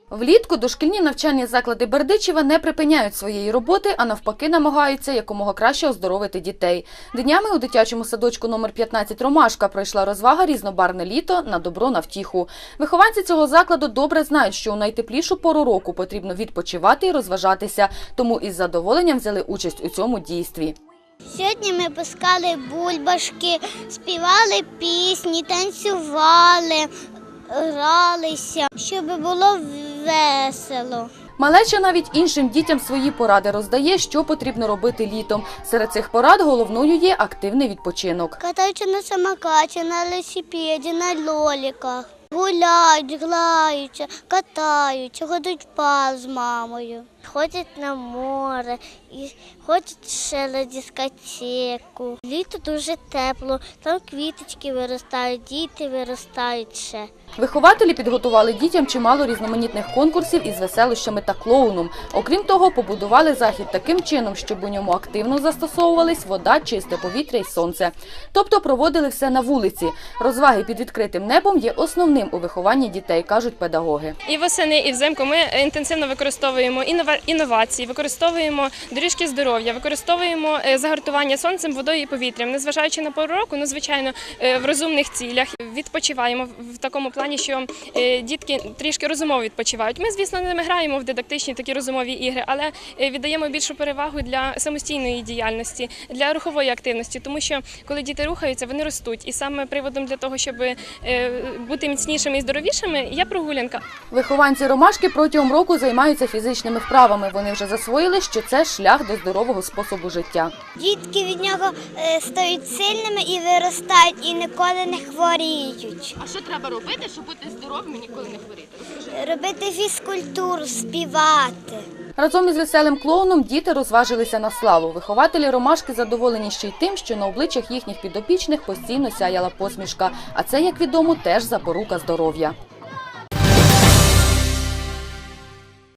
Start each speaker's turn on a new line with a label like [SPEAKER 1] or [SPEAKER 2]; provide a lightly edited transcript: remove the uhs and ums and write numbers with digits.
[SPEAKER 1] Влітку дошкільні навчальні заклади Бердичева не припиняють своєї роботи, а навпаки намагаються якомога краще оздоровити дітей. Днями у дитячому садочку номер 15 «Ромашка» пройшла розвага «Різнобарвне літо» на добро на втіху. Вихованці цього закладу добре знають, що у найтеплішу пору року потрібно відпочивати і розважатися, тому із задоволенням взяли участь у цьому дійстві.
[SPEAKER 2] Сьогодні ми пускали бульбашки, співали пісні, танцювали, гралися, щоб було весело.
[SPEAKER 1] Малеча навіть іншим дітям свої поради роздає, що потрібно робити літом. Серед цих порад головною є активний відпочинок.
[SPEAKER 2] Катаються на самокаті, на велосипеді, на лоліках. Гуляють, граються, катаються, ходять в парк з мамою. Ходять на море, і ходять ще на дискотеку. Літо дуже тепло, там квіточки виростають, діти виростають ще.
[SPEAKER 1] Вихователі підготували дітям чимало різноманітних конкурсів із веселощами та клоуном. Окрім того, побудували захід таким чином, щоб у ньому активно застосовувались вода, чисте повітря і сонце. Тобто проводили все на вулиці. Розваги під відкритим небом є основним у вихованні дітей, кажуть педагоги.
[SPEAKER 3] І восени, і взимку ми інтенсивно використовуємо інновації, використовуємо доріжки здоров'я, використовуємо загартування сонцем, водою і повітрям. Незважаючи на пору року, звичайно, в розумних цілях відпочиваємо в такому плані, що дітки трішки розумово відпочивають. Ми, звісно, не граємо в дидактичні такі розумові ігри, але віддаємо більшу перевагу для самостійної діяльності, для рухової активності, тому що коли діти рухаються, вони ростуть. І саме приводом для того, щоб бути міцнішими і здоровішими, є прогулянка.
[SPEAKER 1] Вихованці «Ромашки» протягом року займаються фізичними вправами. Вони вже засвоїли, що це шлях до здорового способу життя.
[SPEAKER 2] Дітки від нього стають сильними і виростають, і ніколи не хворіють.
[SPEAKER 3] А що треба робити, щоб бути здоровим і ніколи не хворіти? Розкажи.
[SPEAKER 2] Робити фізкультуру, співати.
[SPEAKER 1] Разом із веселим клоуном діти розважилися на славу. Вихователі «Ромашки» задоволені ще й тим, що на обличчях їхніх підопічних постійно сяяла посмішка. А це, як відомо, теж запорука здоров'я.